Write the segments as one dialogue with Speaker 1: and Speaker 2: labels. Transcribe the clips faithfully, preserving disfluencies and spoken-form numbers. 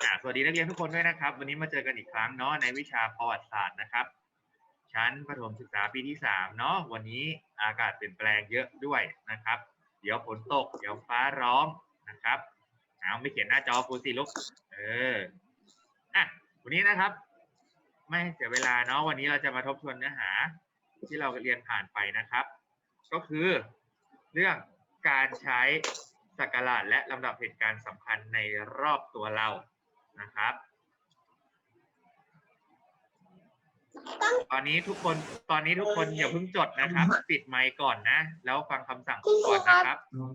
Speaker 1: อ่าสวัสดีนักเรียนทุกคนด้วยนะครับวันนี้มาเจอกันอีกครั้งเนาะในวิชาประวัติศาสตร์นะครับชั้นประถมศึกษาปีที่สามเนาะวันนี้อากาศเปลี่ยนแปลงเยอะด้วยนะครับเดี๋ยวฝนตกเดี๋ยวฟ้าร้องนะครับเอาไม่เขียนหน้าจอครูสิลูกเอออ่ะวันนี้นะครับไม่ให้เสียเวลาเนาะวันนี้เราจะมาทบทวนเนื้อหาที่เราเรียนผ่านไปนะครับก็คือเรื่องการใช้ศักราชและลำดับเหตุการณ์สำคัญในรอบตัวเรานะครับตอนนี้ทุกคนตอนนี้ทุกคนอย่าเพิ่งจดนะครับปิดไมค์ก่อนนะแล้วฟังคำสั่งก่อนนะครับ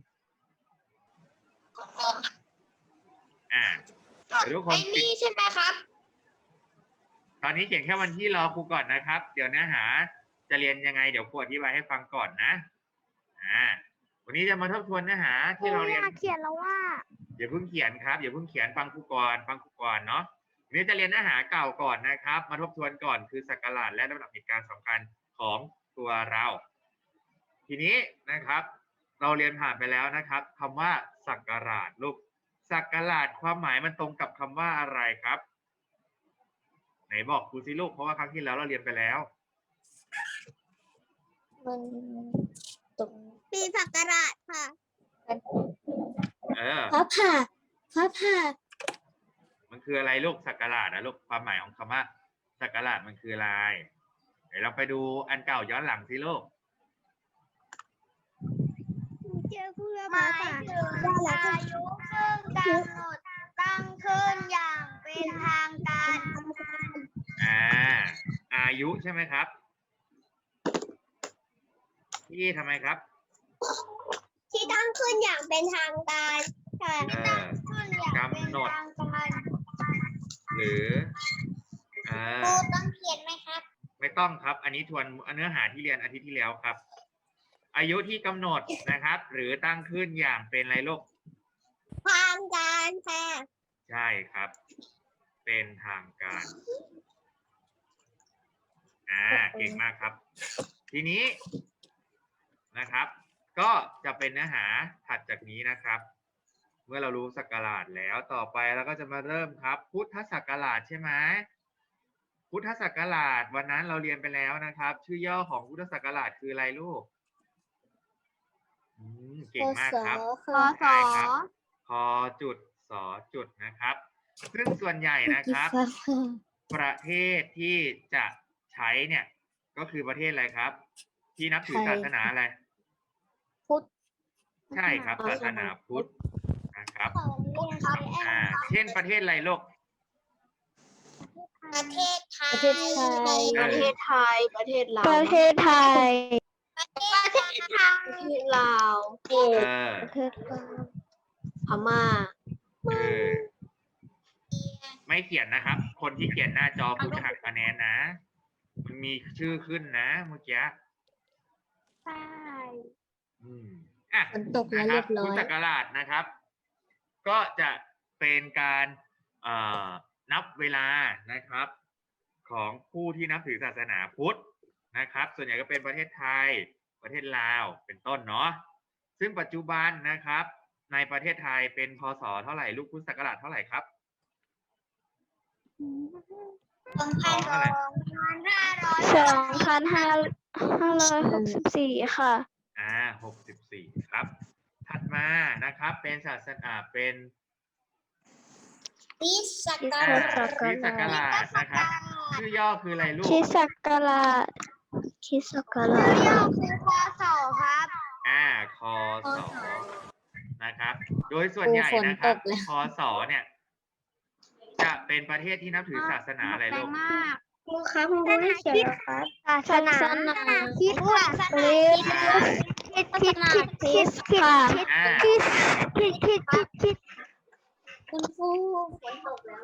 Speaker 1: อ่าเดี๋ยวทุกคนปิดใช่ไหมครับตอนนี้เขียนแค่วันที่รอครูก่อนนะครับเดี๋ยวเนื้อหาจะเรียนยังไงเดี๋ยวครูอธิบายให้ฟังก่อนนะอ่าวันนี้จะมาทบทวนเนื้อหาที่เราเรียน
Speaker 2: เขียนแล้วว่า
Speaker 1: อย่าเพิ่งเขียนครับอย่าเพิ่งเขียนฟังครูก่อนฟังครูก่อนเนาะวันนี้จะเรียนเนื้อหาเก่าก่อนนะครับมาทบทวนก่อนคือศักราชและลำดับเหตุการณ์สำคัญของตัวเรา ทีนี้นะครับเราเรียนผ่านไปแล้วนะครับคำว่าศักราชลูกศักราชความหมายมันตรงกับคำว่าอะไรครับไหนบอกครูสิลูกเพราะว่าครั้งที่แล้วเราเรียนไปแล้ว
Speaker 2: มันตรงปีศักราชค่ะ
Speaker 1: เออ
Speaker 2: พระผ่าพระผ่า
Speaker 1: มันคืออะไรลูกศักราชนะลูกความหมายของคำว่าศักราชมันคืออะไรเดี๋ยวเราไปดูอันเก่าย้อนหลังสิลูก
Speaker 2: เจอเพื่อหมายถึงอายุซึ่งกำหนดตั้งขึ้นอย่างเป็นทางการ
Speaker 1: อ่าอายุใช่ไหมครับที่ทำไมครับ
Speaker 2: ที่ตั้งขึ้นอย่างเป็นทางการค่ะที่ตั้งขึ้นอย่างเป็นทางการ
Speaker 1: หรือเออ
Speaker 2: ต้องเขียนไหมครับ
Speaker 1: ไม่ต้องครับอันนี้ทวนเนื้อหาที่เรียนอาทิตย์ที่แล้วครับอายุที่กำหนดนะครับหรือตั้งขึ้นอย่างเป็นอะไรลูก
Speaker 2: ทางการค่ะ
Speaker 1: ใช่ครับเป็นทางการอ่าเก่งมากครับทีนี้นะครับก็จะเป็นเนื้อหาถัดจากนี้นะครับเมื่อเรารู้ศักราชแล้วต่อไปเราก็จะมาเริ่มครับพุทธศักราชใช่ไหมพุทธศักราชวันนั้นเราเรียนไปแล้วนะครับชื่อย่อของพุทธศักราชคืออะไรลูกเก่งมากครับ
Speaker 2: คอสอ
Speaker 1: คอจุดสอจุดนะครับซึ่งส่วนใหญ่นะครับประเทศที่จะใช้เนี่ยก็คือประเทศอะไรครับที่นับถือศาสนาอะไร
Speaker 2: พุทธ
Speaker 1: ใช่ครับศาสนาพุทธนะครับอ่าเช่นประเทศอะไรลูก
Speaker 2: ประเทศไทย
Speaker 3: ประเทศไทยประเทศลาว
Speaker 2: ประเทศไทยประเทศไทย
Speaker 3: ประเทศลาว
Speaker 1: เออ
Speaker 2: ประเทศลาว
Speaker 3: พม่า
Speaker 1: เออไม่เขียนนะครับคนที่เขียนหน้าจอคุณจะหักคะแนนนะมันมีชื่อขึ้นนะเมื่อกี้
Speaker 2: ใช่
Speaker 1: อืมอ่ะ
Speaker 2: ฝนตกแล้วเรียบร้อย
Speaker 1: พุทธศักราชนะครับก็จะเป็นการเอ่อนับเวลานะครับของผู้ที่นับถือศาสนาพุทธนะครับส่วนใหญ่ก็เป็นประเทศไทยประเทศลาวเป็นต้นเนาะซึ่งปัจจุบันนะครับในประเทศไทยเป็นพ.ศ.เท่าไหร่ลูกพุทธศักราชเท่าไหร่ครับ
Speaker 2: สองพันห้าร้อยสองพันห้าร้อยหกสิบสี่ค่ะ
Speaker 1: อ่าหกสิบสี่ครับถัดมานะครับเป็นศาสนาเป็น
Speaker 2: คริสต์ศักราช
Speaker 1: คริสต์ศักราชนะครับชื่อย่อคืออะไรลูก
Speaker 2: คริสต์ศักราชคริสต์ศักราชชื่อย่อคือคศครับ
Speaker 1: อ่าคศนะครับโดยส่วนใหญ่นะครับคศเนี่ยจะเป็นประเทศที่นับถือศาสนาอะไรลูก
Speaker 2: ครูครับครูให้เขียนครับศาสนาคริสต์ศาสนาคริสต์คริสต์คริสต์คริสต์คริสต์คริสต์คริสต์คริสต์คริสต์คุณครูฝนตกแล้ว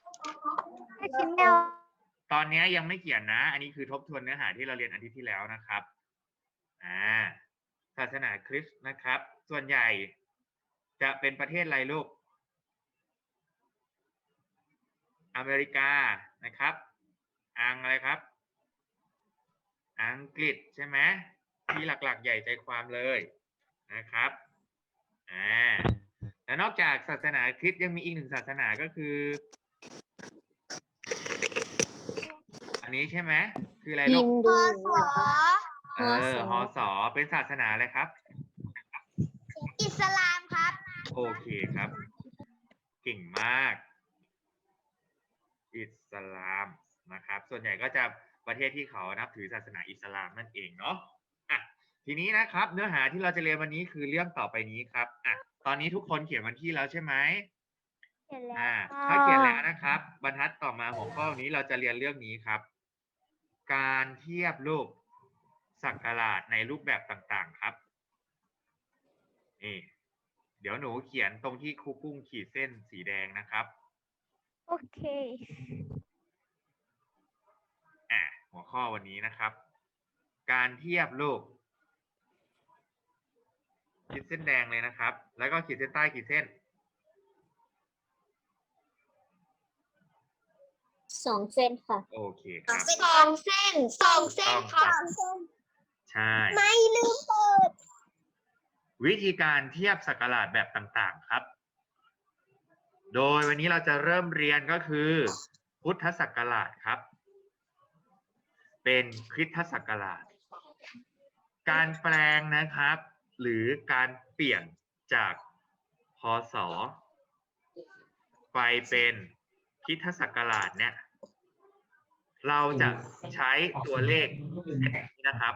Speaker 1: ตอนนี้ยังไม่เขียนนะอันนี้คือทบทวนเนื้อหาที่เราเรียนอาทิตย์ที่แล้วนะครับอ่าศาสนาคริสต์นะครับส่วนใหญ่จะเป็นประเทศอะไรลูกอเมริกานะครับอังอะไรครับอังกฤษใช่ไหมที่หลักๆใหญ่ใจความเลยนะครับอ่าแและนอกจากศาสนาคริสต์ยังมีอีกหนึ่งศาสนาก็คือ อันนี้ใช่ไหมคืออะไรลู
Speaker 3: ฮิ
Speaker 1: ก
Speaker 3: นดู
Speaker 1: เออฮอสอเป็นศาสนาอะไรครับ
Speaker 2: อิสลามครับ
Speaker 1: โอเคครับ เก่งมาก อิสลามนะครับ ส่วนใหญ่ก็จะประเทศที่เขานับถือศาสนาอิสลามนั่นเองเนาะอ่ะทีนี้นะครับ เนื้อหาที่เราจะเรียนวันนี้คือเรื่องต่อไปนี้ครับอ่ะตอนนี้ทุกคนเขียนวันที่แล้วใช่ไหม
Speaker 2: เขียนแล้ว
Speaker 1: อ่า
Speaker 2: ค่ะ
Speaker 1: ถ้าเขียนแล้วนะครับ บรรทัดต่อมาหัวข้อนี้เราจะเรียนเรื่องนี้ครับ การเทียบรูปศักราชในรูปแบบต่างๆครับนี่เดี๋ยวหนูเขียนตรงที่ครูกุ้งขีดเส้นสีแดงนะครับ
Speaker 2: โอเค
Speaker 1: อ่ะหัวข้อวันนี้นะครับ การเทียบรูปขีดเส้นแดงเลยนะครับ แล้วก็ขีดเส้นใต้ขีดเส้น
Speaker 3: สองเส้นค่ะ
Speaker 1: โอเคครับ
Speaker 3: สองเส้นสองเส้นค่ะ
Speaker 1: ใช่
Speaker 2: ไม่ลืมเปิด
Speaker 1: วิธีการเทียบศักราชแบบต่างๆครับ โดยวันนี้เราจะเริ่มเรียนก็คือ พุทธศักราชครับ เป็นคริสตศักราช การแปลงนะครับ หรือการเปลี่ยนจากพ.ศ. ไปเป็นคริสตศักราชเนี่ย เราจะใช้ตัวเลขนี้นะครับ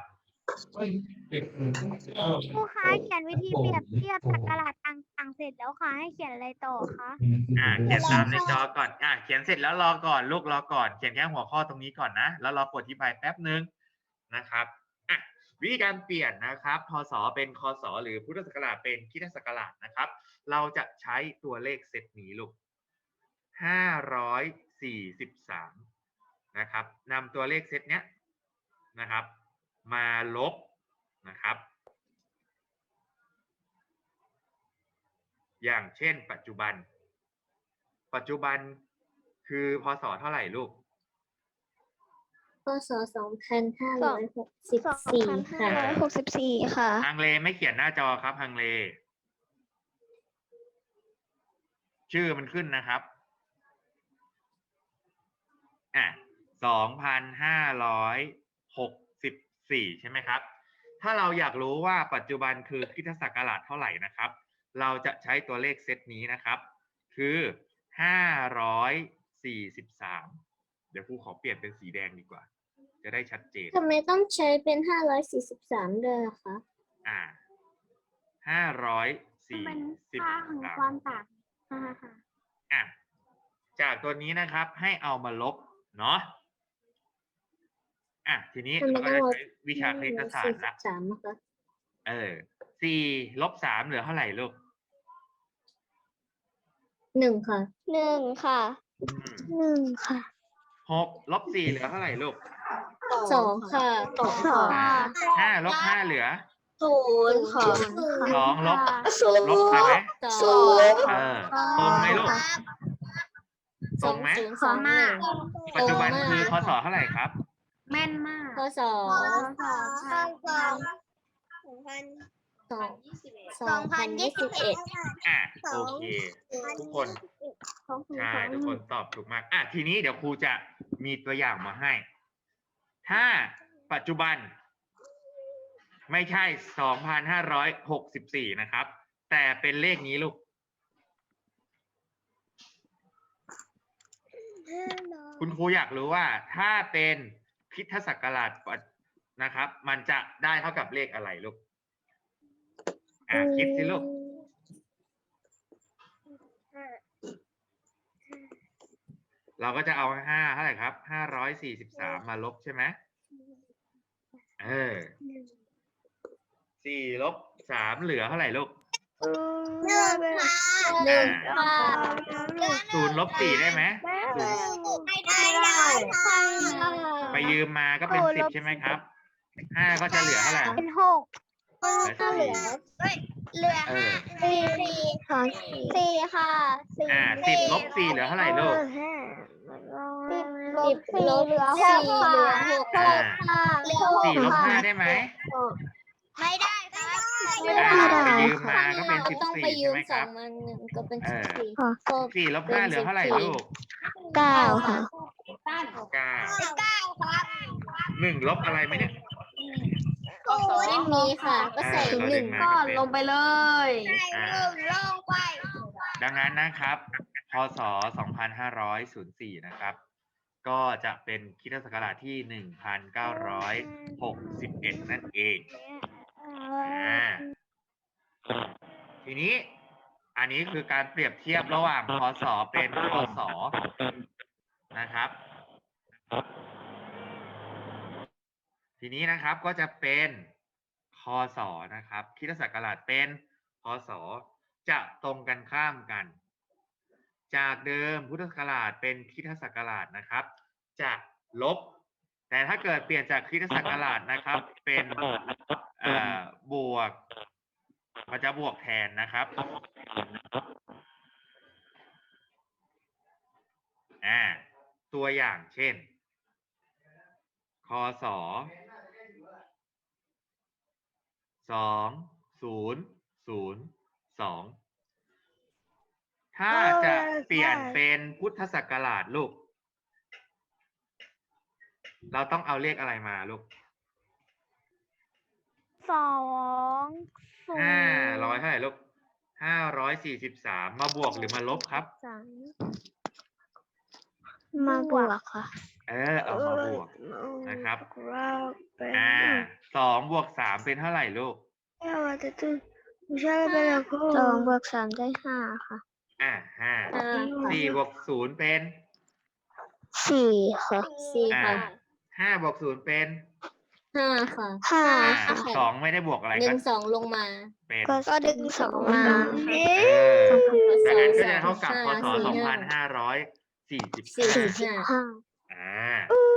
Speaker 2: ครูคะเขียนวิธีเปรียบเทียบศักราชต่างๆเสร็จแล้วค่ะให้เขียนอะไรต่อคะ
Speaker 1: อ่าเขียนตามในจอก่อนอ่าเขียนเสร็จแล้วรอก่อนลูกรอก่อนเขียนแค่หัวข้อตรงนี้ก่อนนะแล้วรอกดอธิบายแป๊บนึงนะครับอ่ะวิธีการเปลี่ยนนะครับพ.ศ. เป็นค.ศ. หรือพุทธศักราชเป็นคริสตศักราชนะครับ เราจะใช้ตัวเลขเซตนี้ลูกห้าร้อยสี่สิบสามนะครับนำตัวเลขเซตเนี้ยนะครับ มาลบนะครับ อย่างเช่นปัจจุบัน ปัจจุบันคือพ.ศ. เท่าไหร่ลูก
Speaker 3: พ.ศ. สองพันห้าร้อยหกสิบสี่ค่ะ
Speaker 2: หกสิบสี่ค่ะ
Speaker 1: ฮังเลไม่เขียนหน้าจอครับฮังเล ชื่อมันขึ้นนะครับอ่ะสองพันห้าร้อยหกสิบสี่ใช่ไหมครับ ถ้าเราอยากรู้ว่าปัจจุบันคือคริสตศักราชเท่าไหร่นะครับ เราจะใช้ตัวเลขเซตนี้นะครับ คือห้าร้อยสี่สิบสามเดี๋ยวครูขอเปลี่ยนเป็นสีแดงดีกว่า จะได้ชัดเจน
Speaker 3: ทำไมต้องใช้เป็นห้าร้อยสี่สิบสามด้วยอะคะ
Speaker 1: อ่าห้าร้อยสี่
Speaker 2: มัน
Speaker 1: สิบ
Speaker 2: ค่าของ
Speaker 1: สาม
Speaker 2: ความต่างค่ะค่ะ
Speaker 1: อ่ะจากตัวนี้นะครับให้เอามาลบเนาะอ่ะทีนี้
Speaker 3: ทำไม
Speaker 1: เรา
Speaker 3: ต้
Speaker 1: ก็
Speaker 3: อง
Speaker 1: จะ
Speaker 3: ลบ
Speaker 1: ใช้วิชาคณิตศาสต
Speaker 3: สี่
Speaker 1: ร์
Speaker 3: สิ
Speaker 1: ละ
Speaker 3: บสามนะคะ
Speaker 1: เออสี่ลบสามเหลือเท่าไหร่ลูก
Speaker 3: หนึ่งค่ะ
Speaker 2: หนึ่งค่ะ
Speaker 1: อืม
Speaker 2: หนึ่งค่ะ
Speaker 1: หกลบสี่เหลือเท่าไหร่ลูก
Speaker 3: สองค่ะสอง
Speaker 2: สอง
Speaker 3: ค่ะ
Speaker 2: ค่ะ
Speaker 1: ห้าลบห้าเหลือ
Speaker 3: ศูนย์ค่ะ
Speaker 1: สองลบ
Speaker 3: ศูนย์
Speaker 1: ลบไปไหม
Speaker 3: สอง
Speaker 1: เออตรงไหมลูก
Speaker 3: ส
Speaker 1: ตร
Speaker 3: อง
Speaker 1: งไหม
Speaker 3: ศูนย์สองหนึ่ง
Speaker 1: ปัจจุบันคือพศเท่าไหร่ครับ
Speaker 2: แม่นมาก
Speaker 3: พศ
Speaker 2: สองค่ะ
Speaker 3: สองสองพันยี่สิบเอ็ด
Speaker 1: อ่ะโอเค ทุกคน ใช่ทุกคนตอบถูกมากอ่ะทีนี้เดี๋ยวครูจะมีตัวอย่างมาให้ ถ้าปัจจุบัน ไม่ใช่ สองพันห้าร้อยหกสิบสี่ นะครับ แต่เป็นเลขนี้ลูก คุณครูอยากรู้ว่าถ้าเป็นคริสตศักราชนะครับ มันจะได้เท่ากับเลขอะไรลูก อ่ะคิดสิลูก เราก็จะเอาห้าเท่าไหร่ครับห้าร้อยสี่สิบสามมาลบใช่ไหมเออสี่ลบสามเหลือเท่าไหร่ลูก
Speaker 2: หนึ่งค่ะ
Speaker 3: หนึ่ง
Speaker 1: อ่า
Speaker 3: ค่ะ
Speaker 1: ศูนย์ลบสี่ได้ไหมศูนย์
Speaker 2: ไม่ได้ได้ค่ะ
Speaker 1: ไปยืมมาก็เป็นสิบใช่ไหมครับห้าก็จะเหลือเท่าไหร่
Speaker 2: เป็นหก
Speaker 1: เหลือสี่
Speaker 2: เหลือ
Speaker 1: เออ
Speaker 2: สี่สี่ค่ะสี่ค่ะสี่
Speaker 1: อ่าสิบลบสี่เหลือเท่าไหร่ลูก
Speaker 2: สิบลบสี่เหลือหกค่ะ
Speaker 3: เหลือหก
Speaker 1: อ่า
Speaker 2: ค่ะเหลือหก
Speaker 1: สี่ลบ
Speaker 2: ค่ะ
Speaker 1: ห้าได้ไหม
Speaker 2: ไม่ได้ค่ะ
Speaker 3: ไม่
Speaker 1: อ่า
Speaker 3: ได้
Speaker 1: ไปยืม
Speaker 2: ค่ะ
Speaker 1: มาก็เป็นสิบ
Speaker 3: ต้อง
Speaker 1: สี่
Speaker 3: ไปยื
Speaker 1: ใช่
Speaker 3: ม
Speaker 1: ไหม
Speaker 3: ส
Speaker 1: ค
Speaker 3: อ
Speaker 1: รั
Speaker 3: ง
Speaker 1: บ
Speaker 3: มาหนึ่งก็เป็น
Speaker 1: เอ
Speaker 3: สิบ
Speaker 1: อ
Speaker 3: สี่
Speaker 2: ค่ะ
Speaker 3: ก็
Speaker 1: สี่ลบห้าเหลือเท่าไหร่ลูก
Speaker 2: เก้าค่ะ
Speaker 1: เก้า
Speaker 2: เก้าครับ
Speaker 1: หนึ่งลบอะไรไหมเนี่ย
Speaker 3: ไม่มีค่ะ ก็ใส่
Speaker 1: เออเรา
Speaker 3: ห
Speaker 1: ดึ
Speaker 3: นึ่ง
Speaker 1: งมา
Speaker 3: ก้อน
Speaker 1: เป็น
Speaker 3: ลงไปเลย
Speaker 1: อ่า ดังนั้นนะครับ พศ สองพันห้าร้อยสี่ นะครับ ก็จะเป็นคริสตศักราชที่ หนึ่งพันเก้าร้อยหกสิบเอ็ด นั่นเอง อ่า ทีนี้ อันนี้คือการเปรียบเทียบระหว่าง พศ เป็น คศ นะครับ ทีนี้นะครับก็จะเป็น คศ นะครับ คริสตศักราชเป็น พศ จะตรงกันข้ามกัน จากเดิมพุทธศักราชเป็นคริสตศักราชนะครับ จะลบ แต่ถ้าเกิดเปลี่ยนจากคริสตศักราชนะครับ เป็นเอ่อบวกมันจะบวกแทนนะครับ อ่า ตัวอย่างเช่น คศ สอง ศูนย์ ศูนย์ สอง ถ้าจะเปลี่ยนเป็นพุทธศักราชลูก เราต้องเอาเลขอะไรมาลูก
Speaker 2: สองศูนย์
Speaker 1: ห้าร้อยเท่าไหร่ลูก ห้าร้อยสี่สิบสาม มาบวกหรือมาลบครับ
Speaker 2: สามมาบวกค่ะ
Speaker 1: เออ เอามาบวกนะครับ อ่า สองบวกสามเป็นเท่าไหร่ลูก
Speaker 2: สองบวกสามได้ห้าค่ะ
Speaker 1: อ่าห้า
Speaker 3: ห้า
Speaker 1: สี่บวกศูนย์เป็น
Speaker 2: สี่ค่ะ
Speaker 3: สี่
Speaker 1: อ่า
Speaker 3: ค่ะ
Speaker 1: ห้าบวกศูนย์เป็น
Speaker 3: ห้าค่ะ
Speaker 2: ห้า
Speaker 1: อ่า
Speaker 3: ค่ะ
Speaker 1: สองไม่ได้บวกอะไร
Speaker 3: ดึ
Speaker 1: ก็
Speaker 3: งสองลงมา
Speaker 1: เป็น
Speaker 2: ก็ดึงสองมา
Speaker 1: เออ ดังนั้นก็จะเท่ากับ พศ สองพันห้าร้อยสี่สิบ
Speaker 3: สี่
Speaker 1: ห้า
Speaker 3: สิบห้า
Speaker 2: ห้า
Speaker 1: อ่า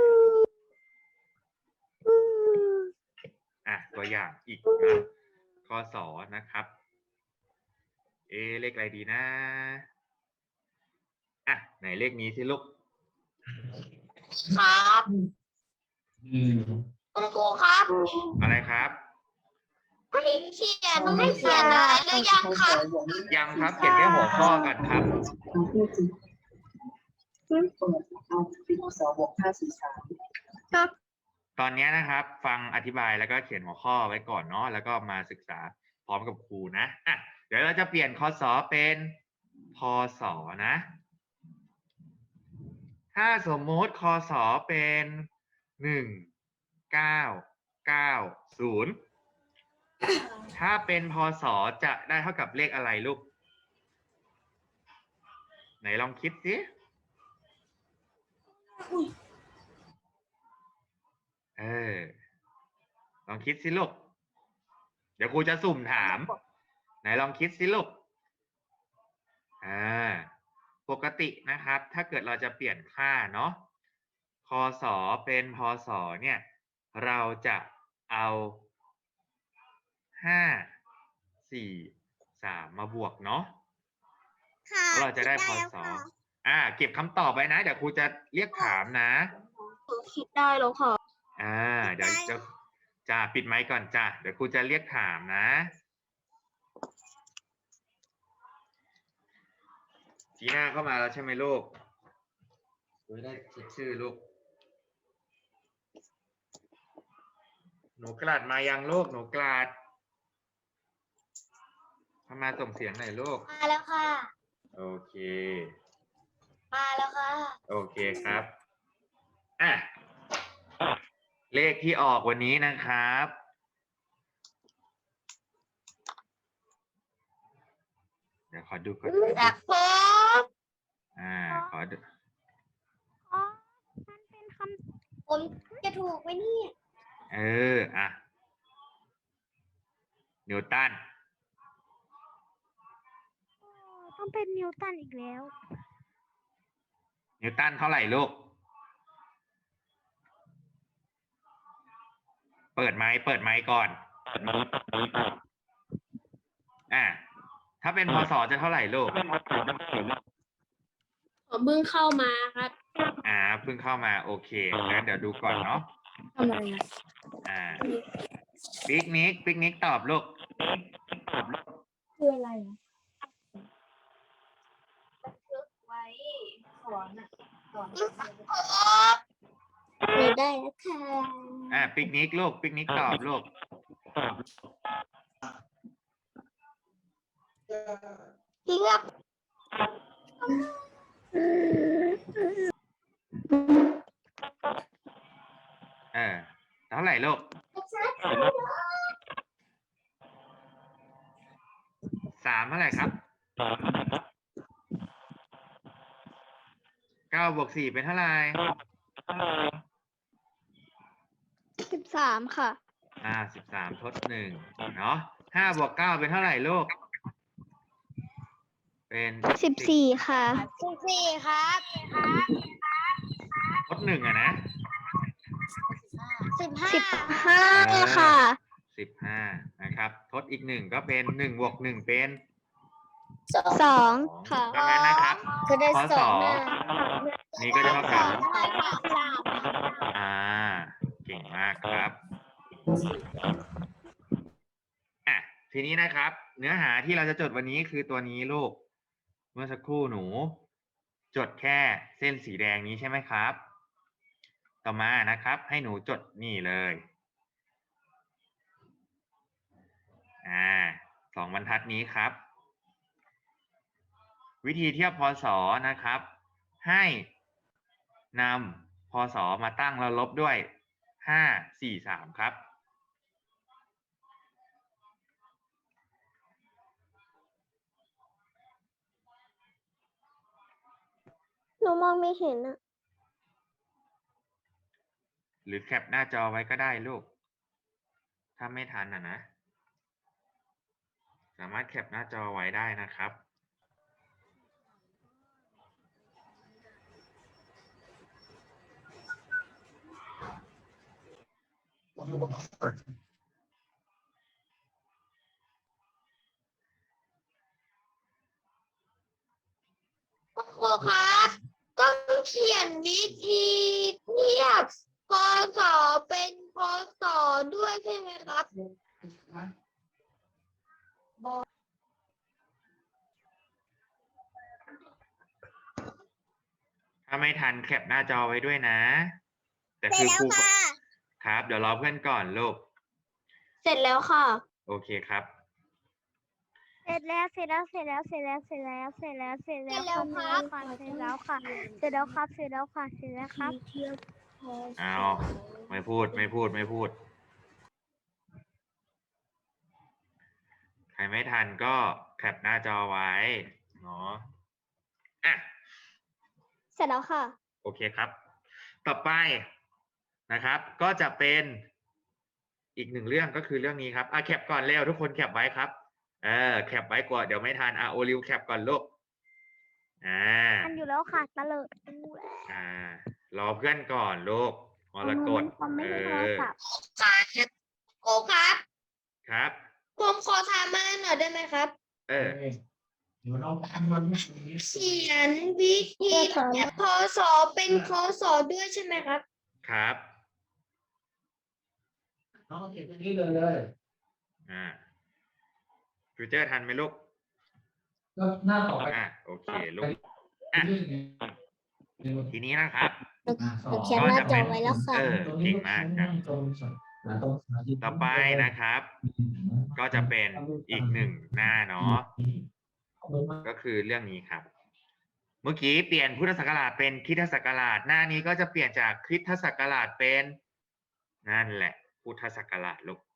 Speaker 1: อ่ะ ตัวอย่างอีกนะ คศ นะครับ เอะเลขอะไรดีนะ อ่ะ ไหนเลขนี้สิลูก
Speaker 2: ครับคุณครูครับ
Speaker 1: อะไรครับ
Speaker 2: ให้เขียนให้เขียนอะไรหรือยังครับ
Speaker 1: ยังครับ เขียนแค่หัวข้อกันครับ
Speaker 2: ครับ
Speaker 1: ตอนนี้นะครับ ฟังอธิบายแล้วก็เขียนหัวข้อไว้ก่อนเนาะ แล้วก็มาศึกษาพร้อมกับครูนะ อ่ะ เดี๋ยวเราจะเปลี่ยน คศ เป็น พศ นะ ถ้าสมมติ คศ เป็น หนึ่ง เก้า เก้า ศูนย์ ถ้าเป็น พศ จะได้เท่ากับเลขอะไรลูก ไหนลองคิดสิ เออ ลองคิดสิลูก เดี๋ยวครูจะสุ่มถาม ไหนลองคิดสิลูก อ่า ปกตินะครับ ถ้าเกิดเราจะเปลี่ยนค่าเนาะ คศ เป็น พศ เนี่ย เราจะเอาห้า สี่ สาม มาบวกเนาะแล้วเราจะได้ พศ อ่า เก็บคำตอบไว้นะ เดี๋ยวครูจะเรียกถามนะ
Speaker 2: คิดได้แล้วค่ะ
Speaker 1: อ่า เดี๋ยวจะจ้าปิดไมค์ก่อนจ้าเดี๋ยวครูจะเรียกถามนะจีน่าเข้ามาแล้วใช่ไหมลูกดูได้เช็คชื่อลูก หนูกลาดมายังลูก หนูกลาดเข้ามาส่งเสียงหน่อยลูก
Speaker 2: มาแล้วค่ะ
Speaker 1: โอเค
Speaker 2: มาแล้วค่ะ
Speaker 1: โอเคครับ อ่ะ เลขที่ออกวันนี้นะครับ เดี๋ยวขอดูก่อน
Speaker 2: จากผม
Speaker 1: อ่า ขอดู
Speaker 2: อ๋อมันเป็นคำผมจะถูกไหมเนี่ย
Speaker 1: เออ อ่ะ นิวตัน
Speaker 2: ต้องเป็นนิวตันอีกแล้ว
Speaker 1: นิวตันเท่าไหร่ลูก เปิดไมค์ เปิดไมค์ก่อน อ่ะ ถ้าเป็น พศ จะเท่าไหร่ลูก
Speaker 3: ผมเพิ่งเข้ามาครับ
Speaker 1: อ่า เพิ่งเข้ามา โอเค งั้นเดี๋ยวดูก่อนเนาะ
Speaker 3: ทำไมอ่ะ
Speaker 1: อ่า ปิกนิก ปิกนิกตอบลูก
Speaker 3: คืออะไรไว้สอนอ่ะสอนหนูได้แล้วค่ะ
Speaker 1: อ่าปิกนิกลูกปิกนิกตอบลูก
Speaker 2: เลือก
Speaker 1: เออเท่าไหร่ลูกสามเท่าไหร่ครับเก้าบวกสี่เป็นเท่าไหร่
Speaker 2: สิบสามค่ะ
Speaker 1: อ่าสิบสามทดหนึ่งเนาะห้าบวกเก้าเป็นเท่าไหร่ลูกเป็น
Speaker 2: สิบสี่ค่ะสิบสี่ครับ
Speaker 1: ทดหนึ่งอะนะ
Speaker 2: สิบห้าสิบห้าค่ะ
Speaker 1: สิบห้านะครับ ทดอีกหนึ่งก็เป็นหนึ่งบวกหนึ่งเป็น
Speaker 2: สองค่ะ
Speaker 1: ดังนั้นนะครับ
Speaker 3: ก็ได้
Speaker 1: ข้อ
Speaker 3: ส
Speaker 1: ส
Speaker 3: อ
Speaker 1: อง งนี่ก็จะเท่ากับอ่าเก่งมากครับอ่ะทีนี้นะครับ เนื้อหาที่เราจะจดวันนี้คือตัวนี้ลูก เมื่อสักครู่หนู จดแค่เส้นสีแดงนี้ใช่ไหมครับ ต่อมานะครับ ให้หนูจดนี่เลยอ่าสองบรรทัดนี้ครับ วิธีเทียบพศนะครับ ให้นำพศมาตั้งแล้วลบด้วยห้า สี่ สามครับ
Speaker 2: หนูมองไม่เห็นอะ
Speaker 1: หรือแคปหน้าจอไว้ก็ได้ลูก ถ้าไม่ทันอ่ะนะ สามารถแคปหน้าจอไว้ได้นะครับ
Speaker 2: ครูครับต้องเขียนวิธีเทียบพศเป็นพศด้วยใช่ไหมครับ
Speaker 1: ถ้าไม่ทันแคปหน้าจอไว้ด้วยนะ แต่คือครูครับ เดี๋ยวรอเพื่อนก่อนลูก
Speaker 2: เสร็จแล้วค่ะ
Speaker 1: โอเคครับ
Speaker 4: เสร็จแล้วเสร็จแล้วเสร็จแล้วเสร็จแล้วเสร็จแล้วเสร็จแล้วเสร็จแล้วค่ะเสร็จแล้วค่ะเสร็จแล้วค่ะเสร็จแล้วค่ะเสร็จแล้วครับ
Speaker 1: เอาไม่พูดไม่พูดไม่พูด ใครไม่ทันก็แคปหน้าจอไว้เนาะอ่ะ
Speaker 2: เสร็จแล้วค่ะ
Speaker 1: โอเคครับ ต่อไปนะครับ ก็จะเป็นอีกหนึ่งเรื่องก็คือเรื่องนี้ครับอ่ะแคปก่อนเร็วทุกคนแคปไว้ครับเออแคปไว้ก่อนเดี๋ยวไม่ทันอ่ะโอลิวแคปก่อนลูกอ่า
Speaker 4: ทันอยู่แล้วค่ะตะเลิด
Speaker 1: อ่ารอเพื่อนก่อนลูกมรกต
Speaker 4: ความไม่
Speaker 1: เอ
Speaker 4: ได้โทร
Speaker 1: อ
Speaker 4: ศัพท์
Speaker 2: ครูครับ
Speaker 1: ครับ
Speaker 2: ผมขอถามมาหน่อยได้ไหมครับ
Speaker 1: เออ
Speaker 2: เขียนวิธีเทียบพศเป็นพศด้วยใช่ไหมครับ
Speaker 1: ครับ
Speaker 5: น้องเก็บตรงนี้เลยเลย
Speaker 1: อ่าฟิวเจอร์ทันไหมลูก
Speaker 5: ก็หน้าต่อไป
Speaker 1: อ่ะโอเคลูกอ่ะทีนี้นะครับ
Speaker 3: หนูเขียนหน้าจอไว้แล้วค่ะ
Speaker 1: เออเก่งมากครับ
Speaker 5: ตรงตรง
Speaker 1: ต่อไปนะครับ ก็จะเป็นอีกหนึ่งหน้าเนาะก็คือเรื่องนี้ครับ เมื่อกี้เปลี่ยนพุทธศักราชเป็นคริสตศักราชหน้านี้ก็จะเปลี่ยนจากคริสตศักราชเป็นนั่นแหละพุทธศักราชลูก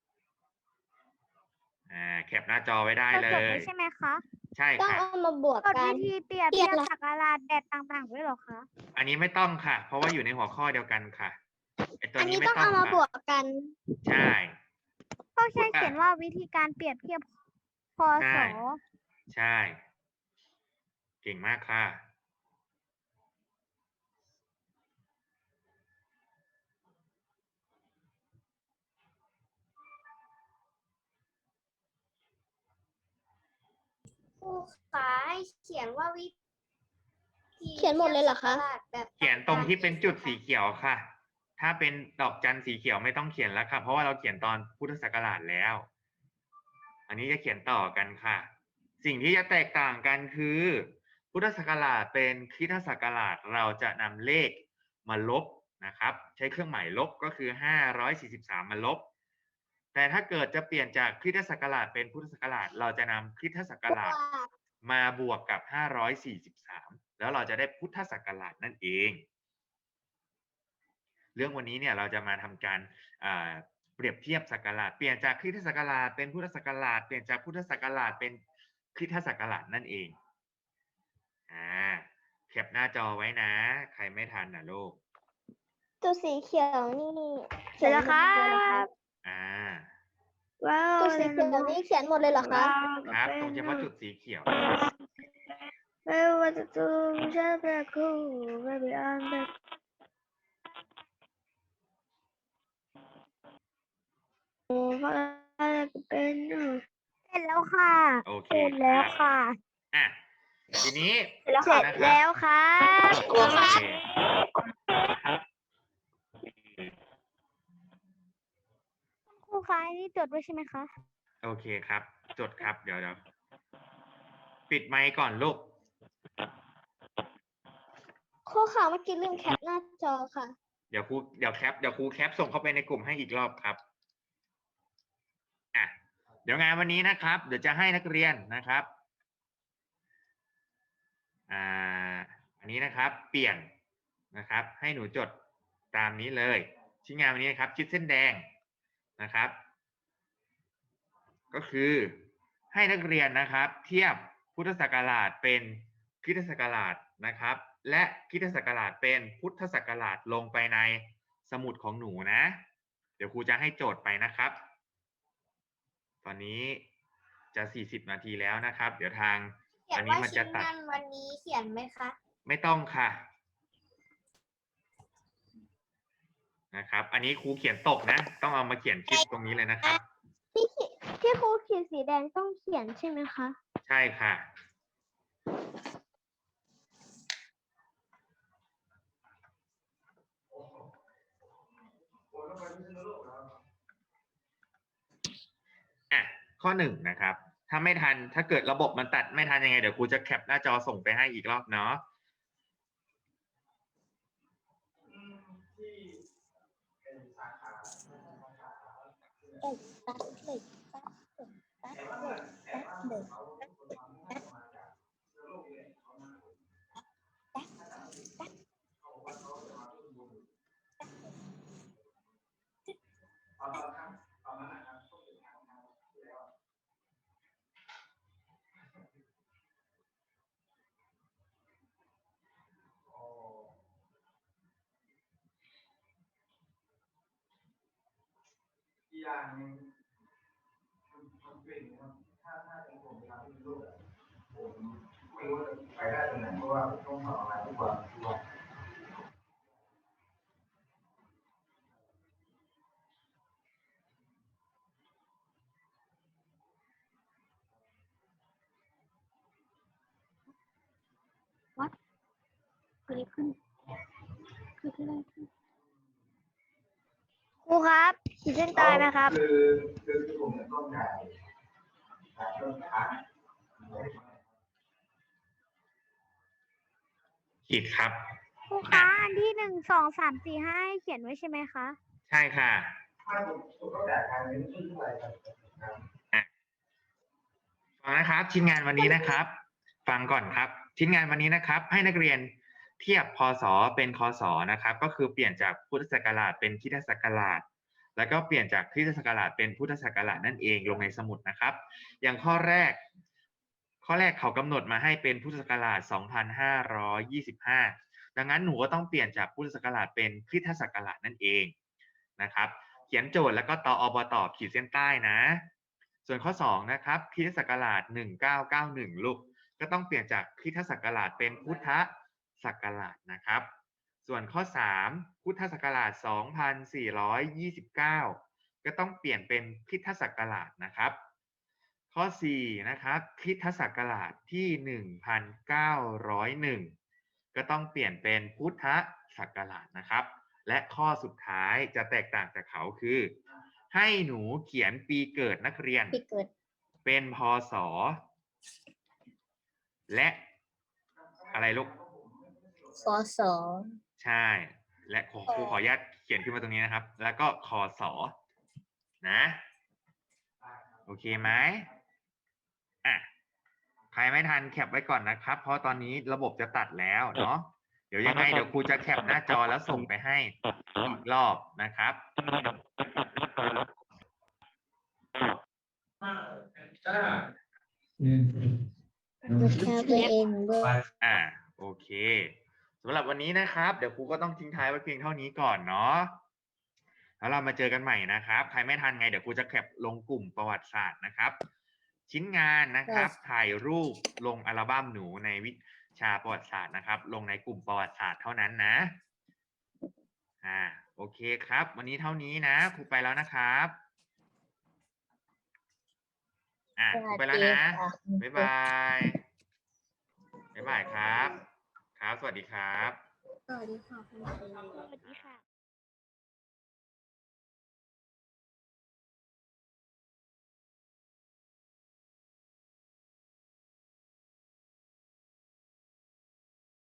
Speaker 1: อ่าแคปหน้าจอไว้ได้เล
Speaker 4: จด
Speaker 1: ย
Speaker 4: ไว้ใช่ไหมคะ
Speaker 1: ใช่
Speaker 2: ต้อง
Speaker 1: ค่ะ
Speaker 2: เอามาบวก
Speaker 4: กด
Speaker 2: กัน
Speaker 4: วิธีเปรียบ
Speaker 2: เปรี
Speaker 4: เที
Speaker 2: ย
Speaker 4: ย
Speaker 2: บบ เหรอ
Speaker 4: สักการะแดดต่างๆด้วยเหรอคะ
Speaker 1: อันนี้ไม่ต้องค่ะ เพราะว่าอยู่ในหัวข้อเดียวกันค่ะไอตัว
Speaker 2: อัน
Speaker 1: นี้
Speaker 2: นี้
Speaker 1: ไม่
Speaker 2: ต้อง
Speaker 1: ต้อง
Speaker 2: เอามาบ
Speaker 1: ค่ะ
Speaker 2: วกกัน
Speaker 1: ใช่
Speaker 4: ก็ใช่เขียนว่าวิธีการเปรียบเทียบพศ
Speaker 1: ใช่ เก่งมากค่ะ
Speaker 2: ครูขาให้เขียนว่าวิธี
Speaker 3: เขียนหมดเลยเหรอคะ
Speaker 2: แบบ
Speaker 1: เขียนตรงที่เป็นจุดสีเขียวค่ะ ถ้าเป็นดอกจันสีเขียวไม่ต้องเขียนแล้วค่ะ เพราะว่าเราเขียนตอนพุทธศักราชแล้วอันนี้จะเขียนต่อกันค่ะ สิ่งที่จะแตกต่างกันคือพุทธศักราชเป็นคริสตศักราชเราจะนำเลขมาลบนะครับ ใช้เครื่องหมายลบก็คือห้าร้อยสี่สิบสามมาลบ แต่ถ้าเกิดจะเปลี่ยนจากคริสตศักราชเป็นพุทธศักราชเราจะนำคริสตศักราชมาบวกกับห้าร้อยสี่สิบสามแล้วเราจะได้พุทธศักราชนั่นเอง เรื่องวันนี้เนี่ยเราจะมาทำการเปรียบเทียบศักราชเปลี่ยนจากคริสตศักราชเป็นพุทธศักราชเปลี่ยนจากพุทธศักราชเป็นคริสตศักราชนั่นเองอ่าแคปหน้าจอไว้นะใครไม่ทันนะลูก
Speaker 2: ตัวสีเขียวนี่
Speaker 4: เสร็จแล้วครับ
Speaker 1: อ่า
Speaker 4: ว้าว
Speaker 2: ตัวสีเขียวนี่เขียนหมดเลยเหรอคะ
Speaker 1: ครับตรงเฉพาะจุดสีเขียว
Speaker 4: ไม่ว่าจะตูฉันจะคู่ไม่ไปอ่านแบบโอ้ฟ้าจะเป็นเสร็จแล้วค่ะ
Speaker 1: โอเค
Speaker 4: เสร็จแล้วค่ะ
Speaker 1: อ่ะทีนี้
Speaker 4: เสร็จแล้วครับ
Speaker 1: โอเคครับ
Speaker 4: ครูคะนี่จดไว้ใช่ไหมคะ
Speaker 1: โอเคครับ จดครับเดี๋ยวเดี๋ยวปิดไมค์ก่อนลูก
Speaker 2: ข้อข่าวเมื่อกี้ลืมแคปหน้าจอค่ะ
Speaker 1: เดี๋ยวครูเดี๋ยวแคปเดี๋ยวครูแคปส่งเข้าไปในกลุ่มให้อีกรอบครับอ่ะเดี๋ยวงานวันนี้นะครับ เดี๋ยวจะให้นักเรียนนะครับอ่าอันนี้นะครับ เปลี่ยนนะครับ ให้หนูจดตามนี้เลยชิ้นงานวันนี้นะครับชิดเส้นแดงนะครับ ก็คือให้นักเรียนนะครับ เทียบพุทธศักราชเป็นคริสตศักราชนะครับ และคริสตศักราชเป็นพุทธศักราชลงไปในสมุดของหนูนะ เดี๋ยวครูจะให้โจทย์ไปนะครับ ตอนนี้จะสี่สิบนาทีแล้วนะครับ เดี๋ยวทาง
Speaker 3: เขีย
Speaker 1: อั
Speaker 3: น
Speaker 1: นนี้
Speaker 3: ว่า
Speaker 1: มัน
Speaker 3: ชิ้
Speaker 1: จะ
Speaker 3: น
Speaker 1: ตัด
Speaker 3: งานวันนี้เขียนไหมคะ
Speaker 1: ไม่ต้องค่ะนะครับ อันนี้ครูเขียนตกนะ ต้องเอามาเขียนคลิปตรงนี้เลยนะครับ
Speaker 2: ที่ขีที่ครูเขียนสีแดงต้องเขียนใช่ไหมคะ
Speaker 1: ใช่ค่ะ อ่ะ ข้อหนึ่งนะครับ ถ้าไม่ทัน ถ้าเกิดระบบมันตัดไม่ทันยังไง เดี๋ยวครูจะแคปหน้าจอส่งไปให้อีกรอบเนาะ
Speaker 3: ตัดเลยตัดตัดเลยตัดเลย
Speaker 4: ครูครับขีดเส้นใต้นะครับ
Speaker 6: คือคือผมต้องจ่ายจ่ายต้นค้าง
Speaker 1: ผิดครับ
Speaker 4: ครูคะอันที่หนึ่งสองสามสี่ห้าให้เขียนไว้ใช่ไหมคะ
Speaker 1: ใช่ค่ะ
Speaker 6: ถ้าผมผมต้องจ่ายทางนี้ชื่ออะไรครับ
Speaker 1: ฟังนะครับชิ้นงานวันนี้นะครับ ฟังก่อนครับ ชิ้นงานวันนี้นะครับ ให้นักเรียนเทียบพศเป็นคศนะครับ ก็คือเปลี่ยนจากพุทธศักราชเป็นคริสตศักราช แล้วก็เปลี่ยนจากคริสตศักราชเป็นพุทธศักราชนั่นเองลงในสมุดนะครับ อย่างข้อแรก ข้อแรกเขากำหนดมาให้เป็นพุทธศักราชสองพันห้าร้อยยี่สิบห้า ดังนั้นหนูก็ต้องเปลี่ยนจากพุทธศักราชเป็นคริสตศักราชนั่นเองนะครับ เขียนโจทย์แล้วก็ตอบตขีดเส้นใต้นะ ส่วนข้อสองนะครับคริสตศักราชหนึ่งเก้าเก้าหนึ่งลูกก็ต้องเปลี่ยนจากคริสตศักราชเป็นพุทธศักราชนะครับ ส่วนข้อสามพุทธศักราชสองพันสี่ร้อยยี่สิบเก้าก็ต้องเปลี่ยนเป็นคริสตศักราชนะครับ ข้อสี่นะครับคริสตศักราชที่หนึ่งพันเก้าร้อยหนึ่งก็ต้องเปลี่ยนเป็นพุทธศักราชนะครับ และข้อสุดท้ายจะแตกต่างจากเขาคือ ให้หนูเขียนปีเกิดนักเรียน
Speaker 3: ปีเกิด
Speaker 1: เป็นพศและอะไรลูก
Speaker 3: พศ
Speaker 1: ใช่ และครูครูขออนุญาตเขียนขึ้นมาตรงนี้นะครับ แล้วก็คศนะ โอเคไหมอ่ะใครไม่ทันแคปไว้ก่อนนะครับ เพราะตอนนี้ระบบจะตัดแล้วเนาะเดี๋ยวยังไงเดี๋ยวครูจะแคปหน้าจอแล้วส่งไปให้อีกรอบนะครับ
Speaker 5: อืม
Speaker 3: ดูแค่ตัวเองด้วย
Speaker 1: อ่าโอเคสำหรับวันนี้นะครับ เดี๋ยวครูก็ต้องทิ้งท้ายไว้เพียงเท่านี้ก่อนเนาะแล้วเรามาเจอกันใหม่นะครับใครไม่ทันไงเดี๋ยวครูจะแคปลงกลุ่มประวัติศาสตร์นะครับ ชิ้นงานนะครับ ถ่ายรูปลงอัลบั้มหนูในวิชาประวัติศาสตร์นะครับ ลงในกลุ่มประวัติศาสตร์เท่านั้นนะอ่าโอเคครับ วันนี้เท่านี้นะครูไปแล้วนะครับอ่าครูไปแล้วนะบ๊ายบายบ๊ายบายครับครับสวัสดีครับ
Speaker 3: สวัสดีค่ะคุณครู
Speaker 4: สวัสดีค่ะ